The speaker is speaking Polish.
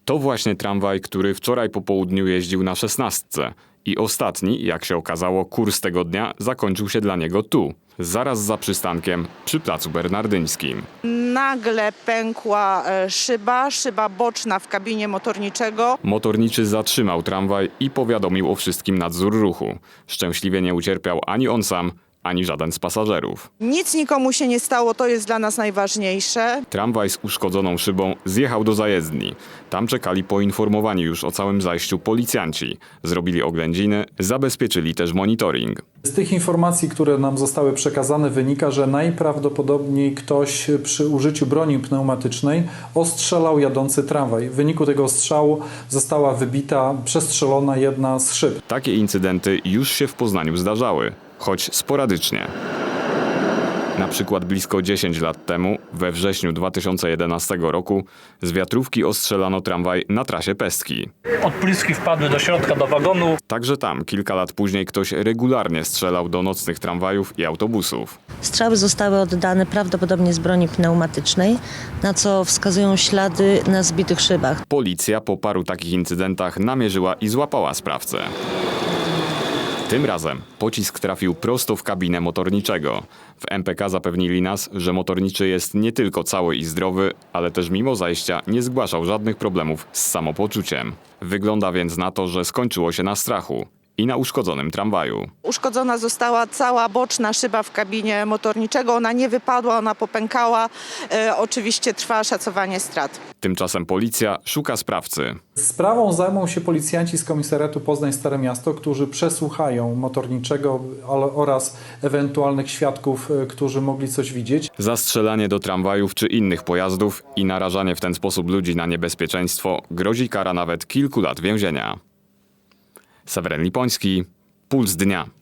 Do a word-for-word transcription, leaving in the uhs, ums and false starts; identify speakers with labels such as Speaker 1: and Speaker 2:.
Speaker 1: To właśnie tramwaj, który wczoraj po południu jeździł na szesnastce. I ostatni, jak się okazało, kurs tego dnia zakończył się dla niego tu, zaraz za przystankiem przy Placu Bernardyńskim.
Speaker 2: Nagle pękła e, szyba, szyba boczna w kabinie motorniczego.
Speaker 1: Motorniczy zatrzymał tramwaj i powiadomił o wszystkim nadzór ruchu. Szczęśliwie nie ucierpiał ani on sam, ani żaden z pasażerów.
Speaker 2: Nic nikomu się nie stało, to jest dla nas najważniejsze.
Speaker 1: Tramwaj z uszkodzoną szybą zjechał do zajezdni. Tam czekali poinformowani już o całym zajściu policjanci. Zrobili oględziny, zabezpieczyli też monitoring.
Speaker 3: Z tych informacji, które nam zostały przekazane, wynika, że najprawdopodobniej ktoś przy użyciu broni pneumatycznej ostrzelał jadący tramwaj. W wyniku tego ostrzału została wybita, przestrzelona jedna z szyb.
Speaker 1: Takie incydenty już się w Poznaniu zdarzały, choć sporadycznie. Na przykład blisko dziesięć lat temu, we wrześniu dwa tysiące jedenastego roku, z wiatrówki ostrzelano tramwaj na trasie Pestki.
Speaker 4: Odpryski wpadły do środka, do wagonu.
Speaker 1: Także tam kilka lat później ktoś regularnie strzelał do nocnych tramwajów i autobusów.
Speaker 5: Strzały zostały oddane prawdopodobnie z broni pneumatycznej, na co wskazują ślady na zbitych szybach.
Speaker 1: Policja po paru takich incydentach namierzyła i złapała sprawcę. Tym razem pocisk trafił prosto w kabinę motorniczego. W M P K zapewnili nas, że motorniczy jest nie tylko cały i zdrowy, ale też mimo zajścia nie zgłaszał żadnych problemów z samopoczuciem. Wygląda więc na to, że skończyło się na strachu i na uszkodzonym tramwaju.
Speaker 2: Uszkodzona została cała boczna szyba w kabinie motorniczego. Ona nie wypadła, ona popękała. E, oczywiście trwa szacowanie strat.
Speaker 1: Tymczasem policja szuka sprawcy.
Speaker 3: Sprawą zajmą się policjanci z Komisariatu Poznań Stare Miasto, którzy przesłuchają motorniczego oraz ewentualnych świadków, którzy mogli coś widzieć.
Speaker 1: Zastrzelanie do tramwajów czy innych pojazdów i narażanie w ten sposób ludzi na niebezpieczeństwo grozi kara nawet kilku lat więzienia. Seweryn Lipoński, Puls Dnia.